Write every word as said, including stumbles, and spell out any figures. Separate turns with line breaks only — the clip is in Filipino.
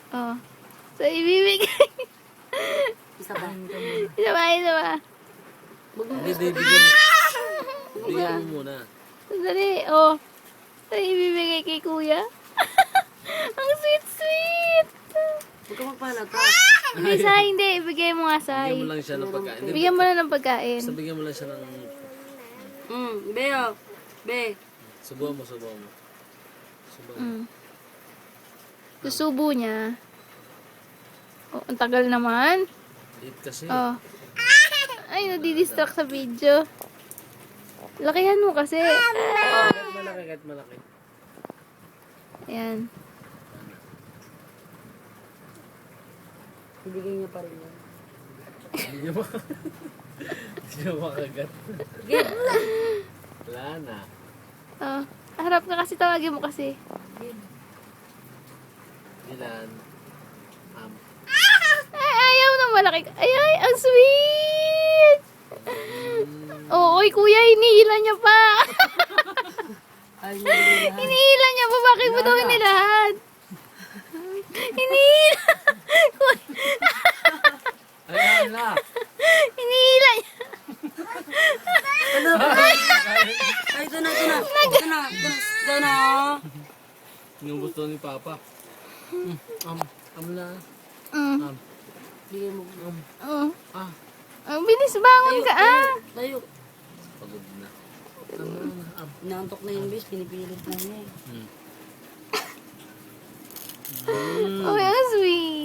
Oh. So, ibibigay.
Isa ba?
Isa ba, isa ba?
Hindi, di, bigyan mo. Bigyan mo muna.
Sandali, oh. So, ibibigay kay kuya. Ang sweet-sweet.
Huwag ka magpalata.
Hindi, Sai, hindi. Ibigay mo nga, Sai.
Bigyan mo lang siya ng pagkain. Hindi,
Bigyan mo na ng pagkain.
basta bigyan mo lang siya ng...
Hmm, be oh. Be.
Subuhan mo, subuhan mo. Subuhan mo.
Mm. Susubo niya. Oh, ang tagal naman.
Liit kasi.
Oh. Ay, nadidistract sa video. Lakihan mo kasi.
Kahit malaki, kahit malaki.
Ayan.
Ibigay niya pa rin yan.
Hindi niya mak- Hindi niya makagat. Wala na.
Oh. Harap ka kasi, tawagin mo kasi.
Ilan? Um,
Ay, ayaw na malaki. Ay, ay, ang sweet! Oo, oy, kuya, hinihila niya pa.
Ay, hindi na.
Hinihila niya pa. Bakit mo daw hinilahan? Hinihila.
Ayan na!
Hinihila niya.
Ano ba? Ay, ito na, ito na. Ito na, ito na. Ito na.
Inubos to ni Papa. Mm, um, um na.
Mm.
Um,
Bigay mo.
um,
Oh.
ah,
Ang bilis, bangon ka ah.
Tayo.
pagod na. Um, um, um.
Inaantok na yung bis. Pinipilit na niya eh.
Hmm.
Oh, ang sweet.